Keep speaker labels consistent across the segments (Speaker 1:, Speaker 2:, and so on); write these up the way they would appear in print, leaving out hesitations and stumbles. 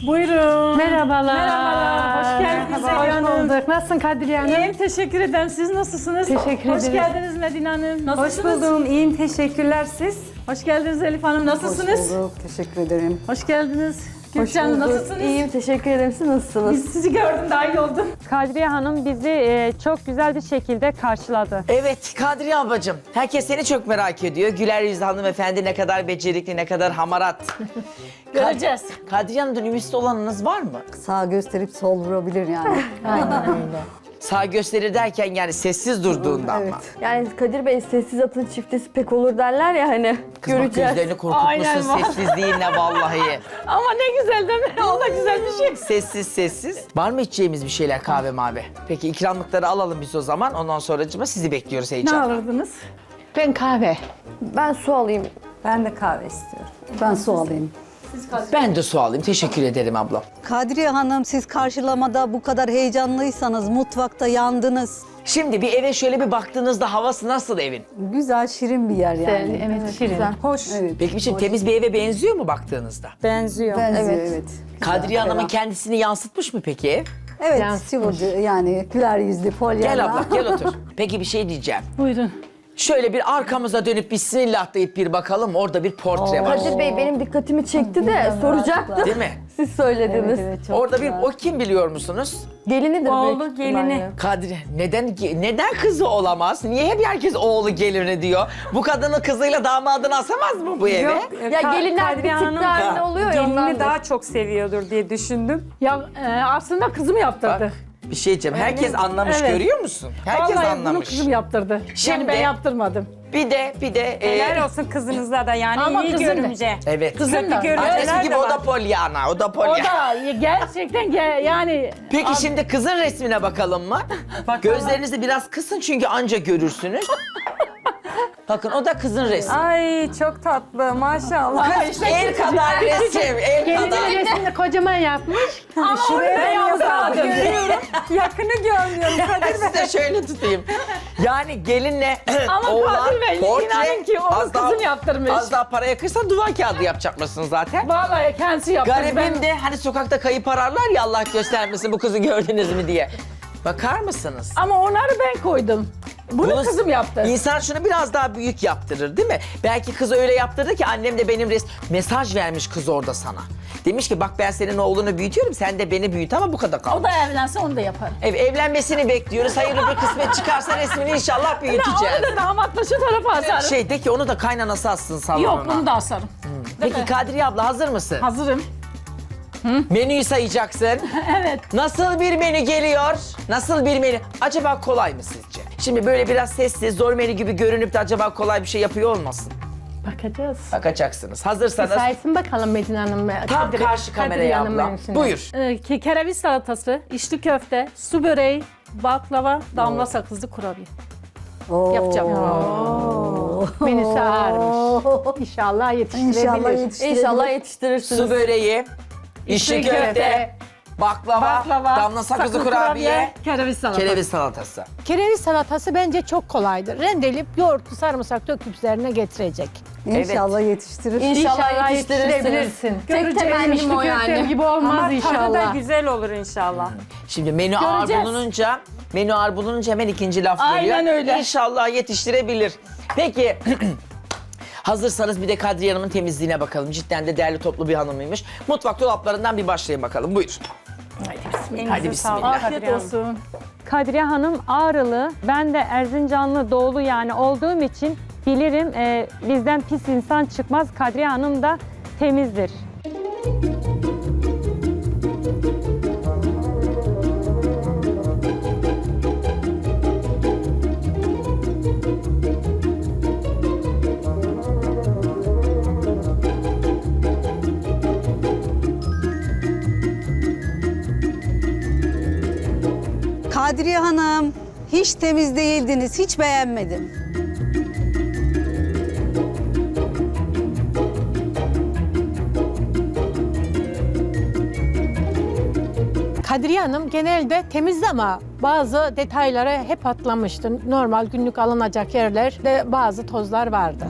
Speaker 1: Buyurun.
Speaker 2: Merhabalar.
Speaker 1: Merhabalar. Hoş geldiniz.
Speaker 2: Merhaba, hoş bulduk. Nasılsın Kadriye Hanım?
Speaker 1: İyiyim, teşekkür ederim. Siz nasılsınız?
Speaker 2: Teşekkür
Speaker 1: Hoş
Speaker 2: ederim.
Speaker 1: geldiniz Medine Hanım.
Speaker 3: Hoş
Speaker 1: Nasılsınız?
Speaker 3: buldum. İyiyim. Teşekkürler siz.
Speaker 1: Hoş geldiniz Elif Hanım. Nasılsınız?
Speaker 3: Hoş bulduk. Teşekkür ederim.
Speaker 1: Hoş geldiniz. Gülcan nasılsınız?
Speaker 4: İyiyim, teşekkür ederim. Siz nasılsınız?
Speaker 1: Biz sizi gördüm, daha iyi oldum.
Speaker 2: Kadriye Hanım bizi çok güzel bir şekilde karşıladı.
Speaker 5: Evet Kadriye ablacığım. Herkes seni çok merak ediyor. Güler yüzlü hanımefendi ne kadar becerikli, ne kadar hamarat.
Speaker 1: Göreceğiz.
Speaker 5: Kadriye Hanım'dan ümitli olanınız var mı?
Speaker 3: Sağ gösterip sol vurabilir yani.
Speaker 5: Sağ gösterir derken yani sessiz durduğundan mı?
Speaker 4: Yani Kadir Bey sessiz atın çiftesi pek olur derler ya hani.
Speaker 5: Kız bak
Speaker 4: Göreceğiz.
Speaker 5: gözlerini
Speaker 1: Aynen
Speaker 5: korkutmuşsun
Speaker 1: vallahi.
Speaker 5: sessizliğinle vallahi.
Speaker 1: Ama ne güzel değil mi? O da güzel bir şey.
Speaker 5: Sessiz sessiz. Var mı içeceğimiz bir şeyler kahve mavi? Peki ikramlıkları alalım biz o zaman. Ondan sonracığıma sizi bekliyoruz
Speaker 1: Ne
Speaker 5: heyecanla.
Speaker 1: alırdınız?
Speaker 2: Ben kahve.
Speaker 4: Ben su alayım.
Speaker 3: Ben de kahve istiyorum. Ben su alayım.
Speaker 5: Ben de su alayım. Teşekkür ederim ablam.
Speaker 6: Kadriye Hanım siz karşılamada bu kadar heyecanlıysanız mutfakta yandınız.
Speaker 5: Şimdi bir eve şöyle bir baktığınızda havası nasıl evin?
Speaker 3: Güzel, şirin bir yer yani.
Speaker 2: Evet, şirin.
Speaker 3: Hoş. Evet.
Speaker 5: Peki bir şey temiz bir eve benziyor mu baktığınızda?
Speaker 6: Benziyor.
Speaker 3: Benziyor,
Speaker 4: Evet.
Speaker 3: evet.
Speaker 5: Kadriye Hanım'ın
Speaker 3: ferah.
Speaker 5: kendisini yansıtmış mı peki ev?
Speaker 3: Evet,
Speaker 2: Yansıtmış.
Speaker 3: sıvıcı yani güler yüzlü, polyana.
Speaker 5: Gel abla gel otur. Peki bir şey diyeceğim.
Speaker 1: Buyurun.
Speaker 5: Şöyle bir arkamıza dönüp bismillah deyip bir bakalım. Orada bir portre var.
Speaker 4: Kadir Bey benim dikkatimi çekti de soracaktım.
Speaker 5: Değil mi?
Speaker 4: Siz söylediniz.
Speaker 3: Evet, çok
Speaker 5: Orada
Speaker 3: güzel.
Speaker 5: bir o kim biliyor musunuz?
Speaker 4: Gelinidir
Speaker 1: Oğlu,
Speaker 4: büyük
Speaker 1: gelini.
Speaker 4: ihtimalle.
Speaker 5: Kadri. Neden kızı olamaz? Niye hep herkes oğlu gelini diyor? Bu kadının kızıyla damadını asamaz mı bu eve?
Speaker 4: Ya gelinler bir tık daha önde oluyor ya ondan.
Speaker 7: Gelini daha çok seviyordur diye düşündüm.
Speaker 1: Ya aslında kızım yaptırdı.
Speaker 5: Bir şey diyeceğim. Herkes anlamış
Speaker 1: Evet.
Speaker 5: görüyor musun? Herkes
Speaker 1: Vallahi bunu
Speaker 5: anlamış.
Speaker 1: kızım yaptırdı.
Speaker 5: Şimdi-
Speaker 1: Yani ben yaptırmadım.
Speaker 5: Bir de
Speaker 7: Helal olsun kızınızla da yani
Speaker 1: Ama
Speaker 7: iyi
Speaker 1: kızım da.
Speaker 7: görümce.
Speaker 5: evet.
Speaker 1: Kızım da.
Speaker 7: Kötü
Speaker 5: Annesi
Speaker 7: görümceler
Speaker 5: gibi
Speaker 7: de
Speaker 5: o da
Speaker 7: var.
Speaker 5: Pollyanna. O da
Speaker 1: O
Speaker 5: Pollyanna.
Speaker 1: da gerçekten yani...
Speaker 5: Peki şimdi kızın resmine bakalım mı? Gözlerinizi biraz kısın çünkü anca görürsünüz. Bakın o da kızın resmi.
Speaker 7: Ay çok tatlı maşallah.
Speaker 5: El kadar resim, el kadar.
Speaker 2: Gelinin resmini kocaman yapmış.
Speaker 7: Ben yapmadım. Yakını görmüyorum Kadir Bey.
Speaker 5: Size şöyle tutayım. Yani gelinle
Speaker 1: Ama
Speaker 5: oğlan
Speaker 1: Kadir Bey,
Speaker 5: portre,
Speaker 1: inanın ki onu
Speaker 5: az daha-
Speaker 1: kızım yaptırmış.
Speaker 5: Az daha para yakırsan duvar kağıdı yapacak mısın zaten?
Speaker 1: Vallahi kendisi yaptırdı.
Speaker 5: Garibim de hani sokakta kayıp ararlar ya Allah göstermesin bu kızı gördünüz mü diye. Bakar mısınız?
Speaker 1: Ama onları ben koydum. Bunu kızım yaptı.
Speaker 5: İnsan şunu biraz daha büyük yaptırır değil mi? Belki kız öyle yaptırdı ki annem de benim mesaj vermiş kız orada sana. Demiş ki bak ben senin oğlunu büyütüyorum sen de beni büyüt ama bu kadar kal.
Speaker 1: O da evlense onu da yapar.
Speaker 5: Evlenmesini bekliyoruz. Hayırlı bir kısmet çıkarsa resmini inşallah büyüteceğiz.
Speaker 1: Onu da damatla şu tarafa asarım.
Speaker 5: Şey de ki onu da kaynanası assın salonuna.
Speaker 1: Yok bunu da asarım.
Speaker 5: Peki Kadriye abla hazır mısın?
Speaker 1: Hazırım.
Speaker 5: Menüyü sayacaksın.
Speaker 1: Evet.
Speaker 5: Nasıl bir menü geliyor? Nasıl bir menü? Acaba kolay mı sizce? Şimdi böyle biraz sessiz, zor menü gibi görünüp de acaba kolay bir şey yapıyor olmasın?
Speaker 1: Bakacağız.
Speaker 5: Bakacaksınız. Hazırsanız
Speaker 2: Saysın bakalım Medine Hanım.
Speaker 5: tam karşı kameraya abla. Buyur.
Speaker 1: Kereviz salatası, içli köfte, su böreği, baklava, damla sakızlı kurabiye.
Speaker 3: Oo.
Speaker 1: Yapacağım.
Speaker 2: Menüsü ağırmış. İnşallah yetiştirebilir.
Speaker 3: İnşallah yetiştirebilir.
Speaker 4: İnşallah yetiştirirsiniz.
Speaker 5: Su böreği, içli köfte, baklava, damla sakızlı kurabiye,
Speaker 1: kereviz salatası.
Speaker 5: kereviz salatası.
Speaker 8: Kereviz salatası bence çok kolaydır. Rendeleyip yoğurtlu sarımsak döküp üzerine getirecek.
Speaker 3: İnşallah yetiştirir.
Speaker 4: İnşallah yetiştirirsiniz.
Speaker 2: yetiştirebilirsin.
Speaker 4: Tek temennim
Speaker 2: İçli
Speaker 4: o
Speaker 2: köftem
Speaker 4: yani.
Speaker 2: gibi olmaz
Speaker 7: Ama tadı da
Speaker 2: inşallah.
Speaker 7: güzel olur inşallah.
Speaker 5: Şimdi menü ağır
Speaker 1: Göreceğiz.
Speaker 5: bulununca hemen ikinci laf
Speaker 1: Aynen
Speaker 5: geliyor.
Speaker 1: öyle.
Speaker 5: İnşallah yetiştirebilir. Peki hazırsanız bir de Kadriye Hanım'ın temizliğine bakalım. Cidden de değerli toplu bir hanımıymış. Mutfak dolaplarından bir başlayın bakalım. Buyur. Hadi bismillah.
Speaker 1: Afiyet olsun.
Speaker 2: Kadriye Hanım Ağrılı, ben de Erzincanlı doğulu yani olduğum için bilirim bizden pis insan çıkmaz. Kadriye Hanım da temizdir.
Speaker 6: Kadriye Hanım hiç temiz değildiniz, hiç beğenmedim.
Speaker 8: Kadriye Hanım genelde temizdi ama bazı detaylara hep atlamıştı. Normal günlük alınacak yerlerde bazı tozlar vardı.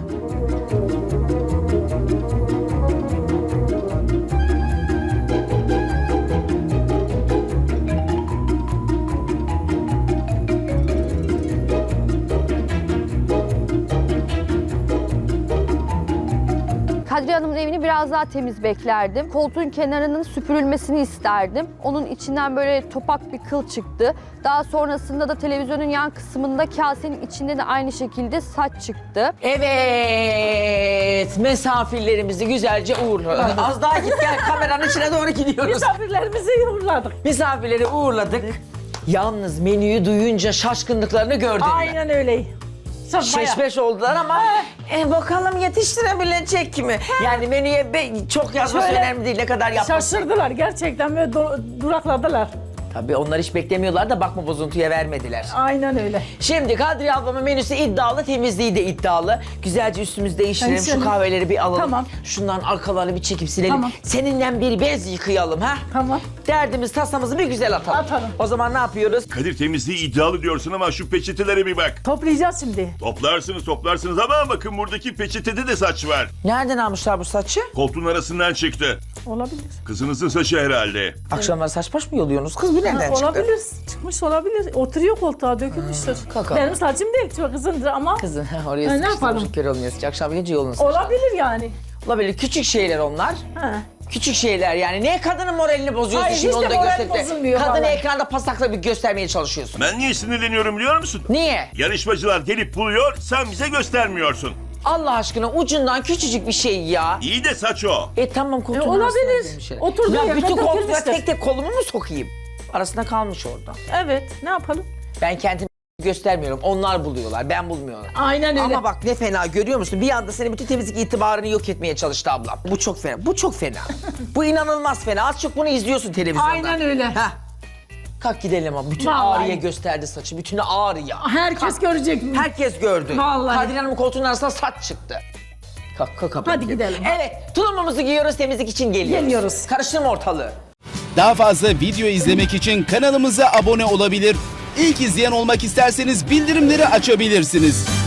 Speaker 4: biraz daha temiz beklerdim. Koltuğun kenarının süpürülmesini isterdim. Onun içinden böyle topak bir kıl çıktı. Daha sonrasında da televizyonun yan kısmında kasenin içinde de aynı şekilde saç çıktı.
Speaker 5: Evet, misafirlerimizi güzelce uğurladık. Az daha git gel, kameranın içine doğru gidiyoruz.
Speaker 1: Misafirlerimizi uğurladık.
Speaker 5: Misafirleri uğurladık. Yalnız menüyü duyunca şaşkınlıklarını gördüm.
Speaker 1: Aynen öyle.
Speaker 5: Şeşmeş oldular ama bakalım yetiştirebilecek mi? Yani menüye çok yazması
Speaker 1: Şöyle
Speaker 5: önemli değil, ne kadar yapması.
Speaker 1: Şaşırdılar gerçekten ve durakladılar.
Speaker 5: Tabii onlar hiç beklemiyorlar da bakma bozuntuya vermediler.
Speaker 1: Aynen öyle.
Speaker 5: Şimdi Kadriye ablamın menüsü iddialı, temizliği de iddialı. Güzelce üstümüzü değiştirelim, şu
Speaker 1: Değiştirelim.
Speaker 5: kahveleri bir alalım.
Speaker 1: Tamam.
Speaker 5: Şundan arkalarını bir çekip silelim.
Speaker 1: Tamam.
Speaker 5: Seninle bir bez yıkayalım ha.
Speaker 1: Tamam.
Speaker 5: Derdimiz, tasamızı bir güzel atalım.
Speaker 1: Atalım.
Speaker 5: O zaman ne yapıyoruz?
Speaker 9: Kadir temizliği iddialı diyorsun ama şu peçetelere bir bak.
Speaker 1: Toplayacağız şimdi.
Speaker 9: Toplarsınız ama bakın buradaki peçetede de saç var.
Speaker 5: Nereden almışlar bu saçı?
Speaker 9: Koltuğun arasından çıktı.
Speaker 1: Olabilir.
Speaker 9: Kızınızın saçı herhalde.
Speaker 5: Akşamları saç baş mı yoluyorsunuz? Kız bu nereden çıktı?
Speaker 1: Olabilir. Çıkmış olabilir. Oturuyor koltuğa dökülmüştür.
Speaker 5: Kaka.
Speaker 1: Benim saçım değil. Çok kızındır ama
Speaker 5: Kızın oraya
Speaker 1: ne
Speaker 5: sıkıştırmış,
Speaker 1: yapalım?
Speaker 5: kör olmuyor. Akşam gece yolunu sıkıştırmış.
Speaker 1: olabilir yani.
Speaker 5: Olabilir. Küçük şeyler onlar.
Speaker 1: Ha.
Speaker 5: Küçük şeyler yani. Niye kadının moralini bozuyorsun
Speaker 1: Hayır,
Speaker 5: şimdi
Speaker 1: hiç
Speaker 5: onu
Speaker 1: de
Speaker 5: da
Speaker 1: moral
Speaker 5: gösterip de.
Speaker 1: bozulmuyor
Speaker 5: Kadını
Speaker 1: vallahi.
Speaker 5: ekranda pasakla bir göstermeye çalışıyorsun.
Speaker 9: Ben niye sinirleniyorum biliyor musun?
Speaker 5: Niye?
Speaker 9: Yarışmacılar gelip buluyor, sen bize göstermiyorsun.
Speaker 5: Allah aşkına ucundan küçücük bir şey ya.
Speaker 9: İyi de saç o.
Speaker 5: Tamam koltuğun
Speaker 1: olabilir.
Speaker 5: arasına girmiş yere.
Speaker 1: Oturduğu
Speaker 5: Ya
Speaker 1: yerden
Speaker 5: bütün koltuğa
Speaker 1: dökülmüştür.
Speaker 5: tek tek kolumu mu sokayım? Arasında kalmış orada.
Speaker 1: Evet. Ne yapalım?
Speaker 5: Ben kendimi göstermiyorum. Onlar buluyorlar. Ben bulmuyorum.
Speaker 1: Aynen öyle.
Speaker 5: Ama bak ne fena görüyor musun? Bir anda senin bütün temizlik itibarını yok etmeye çalıştı ablam. Bu çok fena. Bu çok fena. Bu inanılmaz fena. Az çok bunu izliyorsun televizyonda.
Speaker 1: Aynen öyle.
Speaker 5: Heh. Kalk gidelim ama. Bütün
Speaker 1: Vallahi.
Speaker 5: ağrıya gösterdi saçı. Bütün ağrıya.
Speaker 1: Herkes görecek.
Speaker 5: Herkes gördü.
Speaker 1: Vallahi.
Speaker 5: Kadriye Hanım'ın koltuğunun arasına saç çıktı. Kalk kapı.
Speaker 1: Hadi gidelim.
Speaker 5: Evet, tulumumuzu giyiyoruz, temizlik için geliyoruz.
Speaker 1: Geliyoruz.
Speaker 5: Karıştırma ortalığı.
Speaker 10: Daha fazla video izlemek için kanalımıza abone olabilir. İlk izleyen olmak isterseniz bildirimleri açabilirsiniz.